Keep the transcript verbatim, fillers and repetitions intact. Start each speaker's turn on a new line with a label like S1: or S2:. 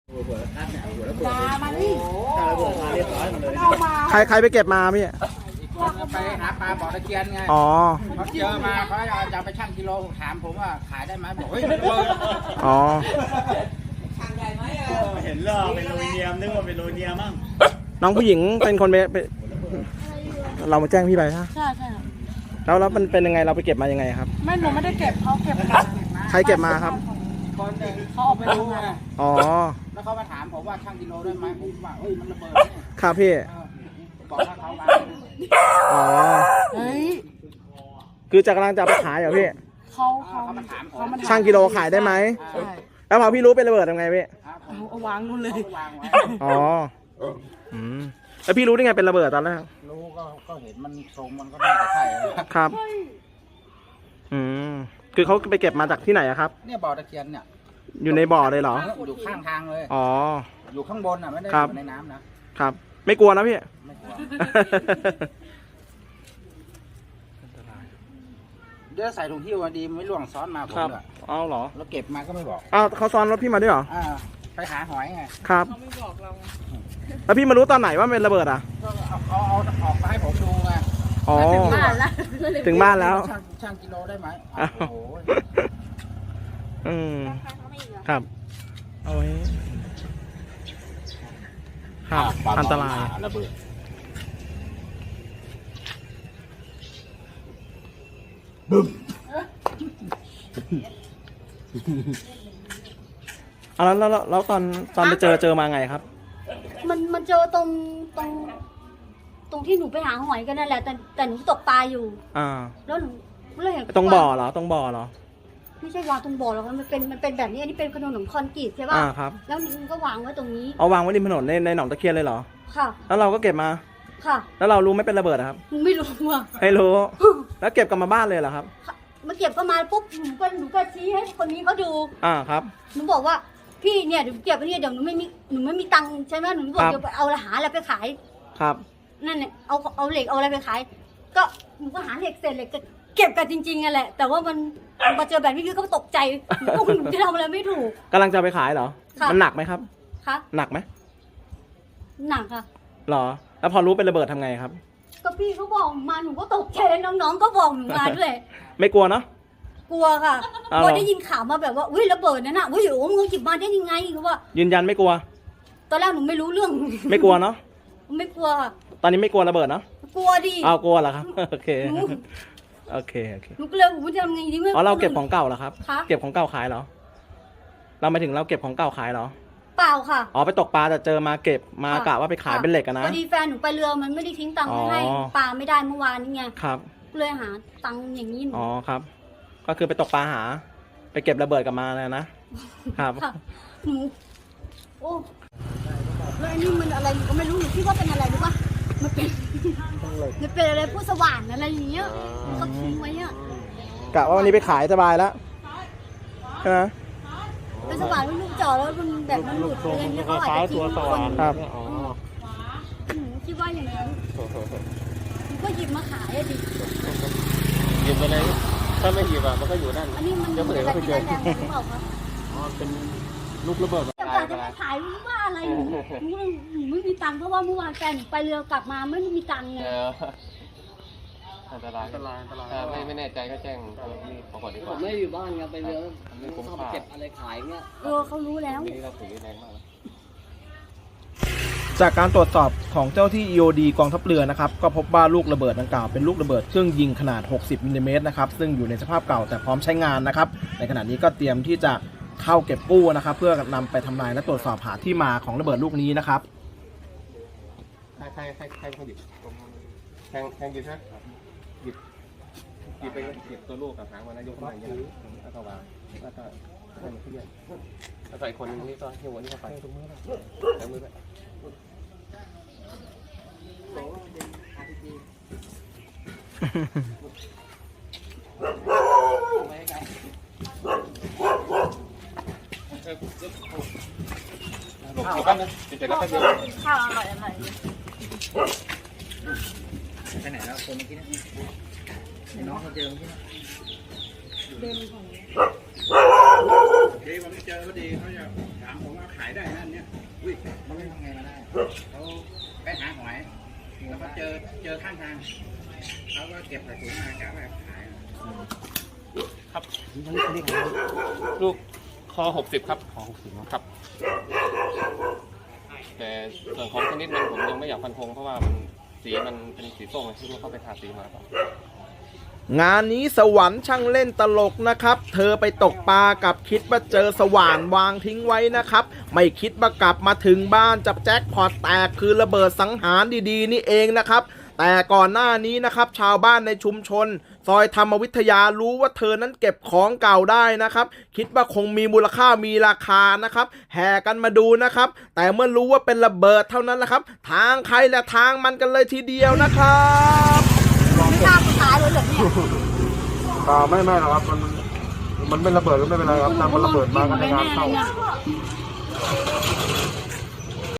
S1: หัวคัดเนี่ยหัวระเบิดมานี่ระเบิดมาเรียบร้อยหมดเลย
S2: ใครใครไปเก็บมาพี่
S1: ไปหาปลาบ่อตะเคียนไง
S2: อ๋อ
S1: เขาเจอมาเขาจะไปชั่งกิโลถามผมว่าขายได้ไหมบอกเฮ้ยระเบิด
S2: อ๋อ
S1: ชั่งได้ไหมเห็นล่อเป็นโลเนียมนึกว่าเป็นโลเนียมมั้ง
S2: น้องผู้หญิงเป็นคนไปเรามาแจ้งพี่ไปใช่
S3: ใช่ใช่
S2: แล้วแล้วมันเป็นยังไงเราไปเก็บมายังไงครับ
S3: ไม่หนูไม่ได้เก็บเขาเก็บมา
S2: ใครเก็บมาครับ
S1: คนหนึ่ง
S3: เขาออกไปดูไง
S2: อ๋อ
S1: แล้วเขามาถามผมว่าชั่งกิโลได้ไหมผมว่าเฮ้ยมันระเบิด
S2: ครับพี่
S1: บอกว่าเขามา
S2: อ๋อ
S3: เฮ้ย
S2: คือจะกำลังจะไปขายเหรอพี่
S3: เขาเขามาถามเขามา
S2: ช่างกิโลขายได้ไหมแล้วพอพี่รู้เป็นระเบิดทำไงพี่
S3: เอาวางนู่นเลย
S2: อ๋ออืมแล้วพี่รู้ได้ไงเป็นระเบิดตอนแรก
S1: รู้ก็ก็เห็นมันทรงมันก็น่าจะใช่
S2: ครับอืมคือเขาไปเก็บมาจากที่ไหนอะครับ
S1: เนี่ยบ่อตะเคียนเนี่ย
S2: อยู่ในบ่อเลยเหรอ
S1: อยู่ข้างทางเลย
S2: อ๋อ
S1: อยู่ข้างบนอ่ะไม่ได้อยู่ในน้ำนะครับ
S2: ไม่กลัวนะพี่
S1: ไม่กลัวเดี๋ยวใส่ถุงหิ้วมาดีไม่ล่วงซ้อนมาผมเลย
S2: เอาเหรอ
S1: แล้วเก็บมาก็ไม่บอก
S2: อ้าวเขาซ้อนรถพี่มาด้วยเหรอ
S1: อ่าไปหาหอยไง
S2: ครับ
S3: เขาไม่บอกเรา
S2: แล้วพี่มารู้ตอนไหนว่าเป็นระเบิดอ่ะ
S1: เอาเอาเอาออกมาให้ผมดูไง
S2: อ๋อถึงบ้านแล้วถึงบ้านแล้ว
S1: ช่างกิโลได้ไหมโอ้โห
S2: อืมครับเอาไว้ครับอันตราย
S1: ระเบิดบึ้ม
S2: เอาแล้วแล้วแล้วตอนตอนไปเจอเจอมาไงครับ
S4: มันมันเจอตรงตรงตรงที่หนูไปหาหอยกันนั่นแหละแต่แต่หนูตกปลาอยู่
S2: อ่า
S4: แล้วหนูเลยเห็น
S2: ตรงบ่อเหรอตรงบ่อเหรอ
S4: ไม่ใช่วางตรงบ่อหรอกมันเป็นมันเป็นแบบนี้อันนี้เป็นขนมคอนกรีตใช่ป่ะ
S2: อ่าครับ
S4: แล้วมันก็วางไว้ตรงนี้
S2: เอาวางไว้ริมถนนในในหนองตะเคียนเลยเหรอ
S4: ค่ะ
S2: แล้วเราก็เก็บมา
S4: ค่ะ
S2: แล้วเรารู้ไม่เป็นระเบิดครับ
S4: หนูไม่รู้ว่ะ
S2: ไม่รู้แล้วเก็บกลับมาบ้านเลยเหรอครับ
S4: มาเก็บก็มาปุ๊บหนูก็หนูก็ชี้ให้คนนี้เขาดู
S2: อ่าครับ
S4: หนูบอกว่าพี่เนี่ยเดี๋ยวเก็บไปเนี่ยเดี๋ยวหนูไม่มีหนูไม่มีตังค์ใช่ไหมหนูบอกเดี๋ยวไปเอาหาอะไรไปขาย
S2: ครับ
S4: นั่นเนี่ยเอาเอาเหล็กเอาอะไรไปขายก็หนูก็หาเหล็กเศษเหล็กเก็บกันจริงๆอ่ะแหละแต่ว่ามันมาเจอแบบนี้คือเขาตกใจหนูหนูจะทำอะไรไม่ถูก
S2: กำลังจะไปขายเหรอมันหนักไหมครับ
S4: คะ
S2: หนักไหม
S4: หนักค่ะ
S2: หรอแล้วพอรู้เป็นระเบิดทำไงครับ
S4: ก็พี่เขาบอกมาหนูก็ตกใจน้องๆก็บอกหนูมาด้วย
S2: ไม่กลัวเนาะ
S4: กลัวค่ะพอได้ยินข่าวมาแบบว่าอุ้ยระเบิดนั่นน่ะอุ้ยโอ้มึงหยิบมาได้ยังไงเขาว่า
S2: ยืนยันไม่กลัว
S4: ตอนแรกหนูไม่รู้เรื่อง
S2: ไม่กลัวเนาะ
S4: ไม่กลัวค่ะ
S2: ตอนนี้ไม่กลัวระเบิดเนาะ
S4: กลัวดิ
S2: อ้าวกลัวเหรอครับโอเคโอเคโอเค
S4: หนูก็เลยผมจะทำไงดีเมื่อ
S2: อ๋อเราเก็บของเก่าเหรอครับเก็บของเก่าขายเหรอเราหมายถึงเราเก็บของเก่าขายเหรอ
S4: เปล่าค่ะ
S2: อ๋อไปตกปลาแต่เจอมาเก็บมากะว่าไปขายเป็นเหล็กนะ
S4: พอดีแฟนหนูไปเรือมันไม่ได้ทิ้งตังค์ให้ปลาไม่ได้เมื่อวานนี้ไง
S2: ครับ
S4: เลยหาตังค์อย่างนี้
S2: อ๋อครับก็คือไปตกปลาหาไปเก็บระเบิดกลับมาเลยนะครับ
S4: หนูโอ้แล้วอันนี้มันอะไรก็ไม่รู้หนูคิดว่าเป็นอะไรรู้ป่ะมันเป็นมันเป็นอะไรผู้สว่านอะไรอย่างเงี้ยก็ทิ้งไว้อ่ะ
S2: กะว่าวันนี้ไปขายสบายแล้วใช่ไหม
S4: เป็นสว่านลูกจ่อแล้วมันแบบมันหลุดอะไรเงี้ยเขาอาจจะทิ้งคน
S2: ครับ
S4: หนูคิดว่าอย่างนั้นหนูก็หยิบมาขายอะดิ
S1: หยิบไปเลยถ้าไม่หยิบอ่ะมันก็อยู่นั่น
S4: อันนี้มันเป็นอะไรที่แรงหรือเปล่าคะ
S1: อ๋อเป็นลูกระเบิด
S4: แต่จะไปขายรู้ว่าอะไรหนูหนูหนูไม่มีตังค์เพราะว่าเมื่อวานแฟนไปเรือกลับมาไม่มีตังค์ไง
S1: อันตรายอันตรายอันตรายไม่ไม่แน่ใจก็แจ้งนี่ขอก่อนดีกว่า
S5: ผมไม่อยู่บ้านไงไปเรือเขาไปเก็บอะไรขายเงี้ย
S4: เออเขารู้แล้ว
S1: นี่เราถือแรงมาก
S2: จากการตรวจสอบของเจ้าที่ อี โอ ดี กองทัพเรือนะครับก็พบว่าลูกระเบิดดังกล่าวเป็นลูกระเบิดเครื่องยิงขนาดหกสิบมิลลิเมตรนะครับซึ่งอยู่ในสภาพเก่าแต่พร้อมใช้งานนะครับในขณะนี้ก็เตรียมที่จะเข้าเก็บกู้นะครับเพื่อนำไปทำลายและตรวจสอบหาที่มาของระเบิดลูกนี้นะครับ
S1: ใครใครใครใครคนหยิบแทงแทงหยิบใช่หยิบหยิบไปหยิบตัวลูกกับหางมันนะยกขึ้นมาอย่างนี้แล้วก็วางแล้วก็ให้มันขึ้นแล้วใส่คนนึงนี่ก็หิ้วนี่เข้าไปตรงมือตรงมือไปข้าวกันนะเดี๋ยวก็เดี๋ยว
S4: ข้าวอร่อยอร่อย
S1: ไปไหนแล้วคนเมื่อกี้นะน้องเขาเจอเมื่อกี้นะ
S4: เดินของ
S6: เดี๋ยวผมเจอเขาดีเขาจะถามผมว่าขายได้นั่นเนี่ยอุ้ยมันไม่ทำไงมาได้เขาไปหาหอยแล้วก็เจอเจอข้างทางเขาก็เก็บใส่ถุงมากะว่าขาย
S1: ครับลูกคอหกสิบครับคอหกสิบครับแต่ส่วนของชนิดมันผมยังไม่อยากฟันธงเพราะว่ามันสีมันเป็นสีส้มที่ว่าเขาไปทาสีมาครับ
S2: งานนี้สวรรค์ช่างเล่นตลกนะครับเธอไปตกปลากับคิดว่าเจอสว่านวางทิ้งไว้นะครับไม่คิดว่ากลับมาถึงบ้านจับแจ็คพอตแตกคือระเบิดสังหารดีๆนี่เองนะครับแต่ก่อนหน้านี้นะครับชาวบ้านในชุมชนซอยธรรมวิทยารู้ว่าเธอนั้นเก็บของเก่าได้นะครับคิดว่าคงมีมูลค่ามีราคานะครับแห่กันมาดูนะครับแต่เมื่อรู้ว่าเป็นระเบิดเท่านั้นแหละครับทางใครและทางมันกันเลยทีเดียวนะครับ
S4: ไม่กล้ากูตายเลยเหรอเนี่ย
S7: อ่าไม่ไม่หรอกครับมันมันไม่ระเบิดก็ไม่เป็นไรครับแต่มันระเบิดมาก็ในงานเข้า